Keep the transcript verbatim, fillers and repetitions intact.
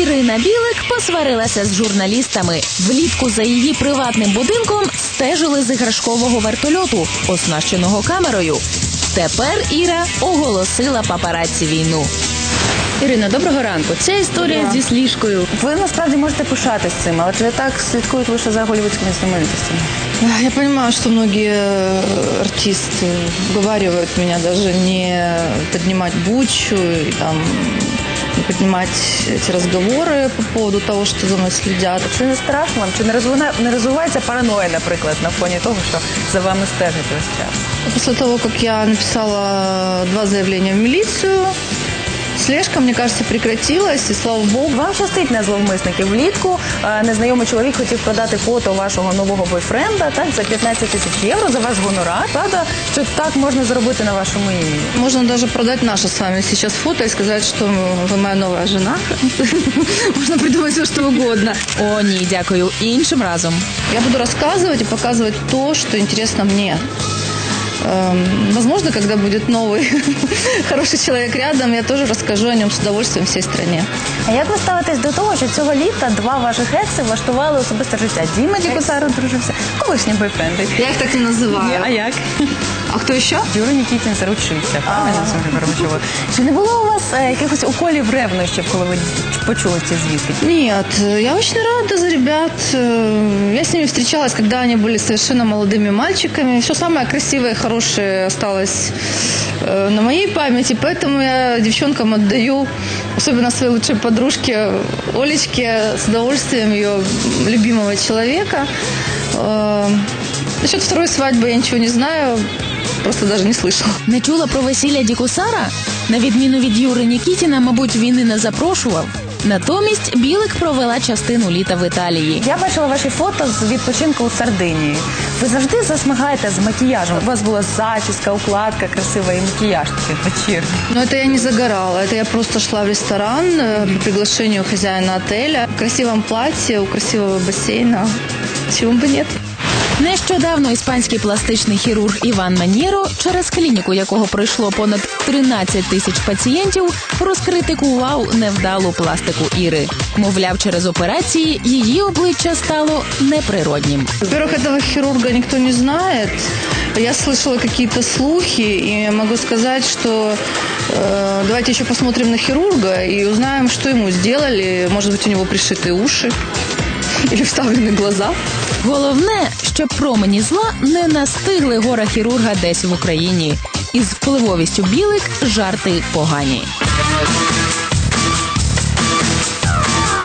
Ірина Білик посварилася з журналістами. Влітку за її приватним будинком стежили з іграшкового вертольоту, оснащеного камерою. Тепер Іра оголосила папараці війну. Ірина, доброго ранку. Це історія Да. зі сліжкою. Ви насправді можете пишатись цим, але чи так слідкують лише за голлівудськими знаменитостями? Я понимаю, что многие артисты уговаривают меня даже не поднимать бучу и там не поднимать эти разговоры по поводу того, что за мной следят. Чи не страшно вам? Чи не розвина- не розвивається параноя, наприклад, на фоні того, що за вами стежать весь час? После того, как я написала два заявления в милицию, слежка, мне кажется, прекратилась, и слава богу. Вам щастить на зловмисників. Влітку е, незнайомий чоловік хотів продати фото вашого нового бойфренда, так, за п'ятнадцять тисяч євро, за ваш гонорар. Правда, що так можна зробити на вашому імені? Можно даже продать наше с вами сейчас фото и сказать, что вы моя новая жена. Можно придумать все, что угодно. О, ні, дякую. Іншим разом. Я буду рассказывать и показывать то, что интересно мне. Эм, Возможно, когда будет новый хороший человек рядом, я тоже расскажу о нем с удовольствием всей стране. А як ви ставитесь до того, що цього літа два ваших екси влаштували особисте життя? Діма Дікусар одружився, колишні бойфренди. Я их так не называю. А як? А кто еще? Юра Нікітін заручився, правильно, Софія Горбачова? Чи не було у вас е, якихось уколів ревнощів, коли ви почули ці звістки? Нет, я очень рада за ребят. Э, Я с ними встречалась, когда они были совершенно молодыми мальчиками. Все самое красивое и хорошее осталось э, на моей памяти, поэтому я девчонкам отдаю, особенно своей лучшей подружке Олечке, с удовольствием ее любимого человека. Э, Насчет второй свадьбы я ничего не знаю, просто даже не слышала. Не чула про весілля Дікусара? На відміну від Юри Нікітіна, мабуть, він і не запрошував. Натомість Білик провела частину літа в Італії. Я бачила ваші фото з відпочинку у Сардинії. Ви завжди засмагаєте з макіяжем. У вас була зачіска, укладка красива і макіяж такий вечірній. Но это я не загорала, это я просто шла в ресторан э, по приглашению хозяина отеля. В красивом платье, у красивого бассейна. Чего бы нет. Нещодавно іспанський пластичний хірург Іван Маньєро, через клініку якого пройшло понад тринадцять тисяч пацієнтів, розкритикував невдалу пластику Іри. Мовляв, через операції її обличчя стало неприроднім. Во-первых, этого хирурга никто не знает. Я слышала какие-то слухи, и могу сказать, что э, давайте еще посмотрим на хирурга и узнаем, что ему сделали. Может быть, у него пришиты уши или вставлены глаза. Головне, щоб промені зла не настигли гора-хірурга десь в Україні. Із впливовістю Білик жарти погані.